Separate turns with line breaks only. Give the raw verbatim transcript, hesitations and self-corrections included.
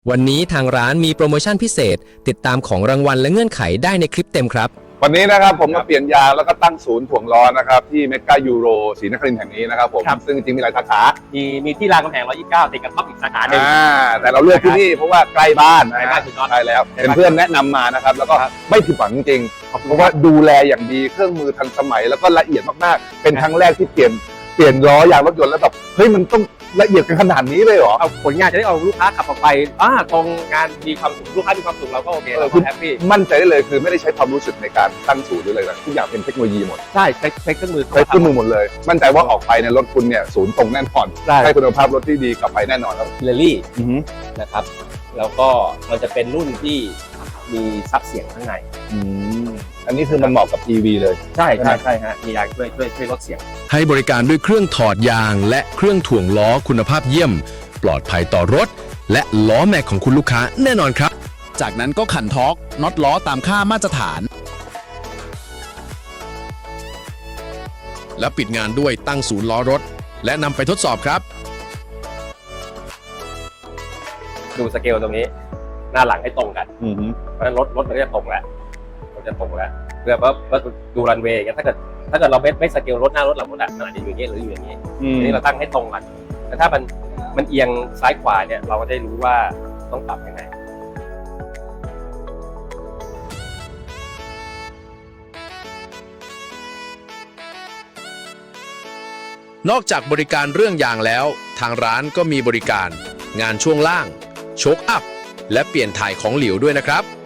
วันนี้ทางร้านมีโปรโมชั่นพิเศษติดตามของรางวัลและเงื่อนไขได้ในคลิปเต็มครับ
วันนี้นะครับผมมาเปลี่ยนยางแล้วก็ตั้งศูนย์ถ่วงล้อนะครับที่เมกายูโรศรีนครินทร์แห่งนี้นะครับผมซึ่งจริงๆมีหลายสาขา
มีมีที่รามคำแหงหนึ่งร้อยยี่สิบเก้าติดกับท็อปอีกสาขาหนึ่ง
อ่าแต่เราเลือกที่นี่เพราะว่าใกล้บ้าน
ใกล้บ้านสุดยอด
ใช่แล้วเป็นเพื่อนแนะนำมานะครับแล้วก็ไม่ผิดหวังจริงๆเพราะว่าดูแลอย่างดีเครื่องมือทันสมัยแล้วก็ละเอียดมากๆเป็นครั้งแรกที่เปลี่ยนเปลี่ยนล้อยางรถยนต์แล้วแบบเฮ้ยมันต้องละเอียดกันขนาดนี้เลยเหรอ
เอาผลงานจะได้เอาลูกค้าขับออกไปอ่าตรงงานมีความสุขลูกค้ามีความสุขเราก็โอเคเราก็แฮปปี้
มั่นใจได้เลยคือไม่ได้ใช้ความรู้สึกในการตั้งศูนย์หรืออะไรนะทุกอย่างเป็นเทคโนโลยีหมด
ใช่ใช้ใช้เครื่องมือ
ใช้เครื่องมือหมดเลยมั่นใจว่าออกไปในรถคุณเนี่ยศูนย์ตรงแน่นอนให้คุณภาพรถที่ดีกลับไปแน่นอนครับ
เรลลี่นะครับแล้วก็มันจะเป็นรุ่นที่มีซับเสียงข้างใน
อันนี้คือมันเหมาะกับ อี วี เลย
ใช่ใช่ใช่ฮะมียางช่วยช่วยช่วยลดเสียง
ให้บริการด้วยเครื่องถอดยางและเครื่องถ่วงล้อคุณภาพเยี่ยมปลอดภัยต่อรถและล้อแม็กของคุณลูกค้าแน่นอนครับ
จากนั้นก็ขันท็อร์กน็อตล้อตามค่ามาตรฐานและปิดงานด้วยตั้งศูนย์ล้อรถและนำไปทดสอบครับ
ดูสเกลตรงนี้หน้าหลังให้ตรงกันเพราะฉะนั้นรถรถมันก็จะตรงแล้วมันจะตรงแล้วเพื่อว่าดูรันเวย์ถ้าเกิดถ้าเกิดเราไม่ไม่สเกลรถหน้ารถหลังรถอ่ะมันอาจจะอยู่อย่างนี้หรืออยู่อย่างนี้ทีนี้เราตั้งให้ตรงกันแต่ถ้ามันมันเอียงซ้ายขวาเนี่ยเราก็ได้รู้ว่าต้องปรับยังไง
นอกจากบริการเรื่องยางแล้วทางร้านก็มีบริการงานช่วงล่างโชคอัพและเปลี่ยนถ่ายของเหลวด้วยนะครับ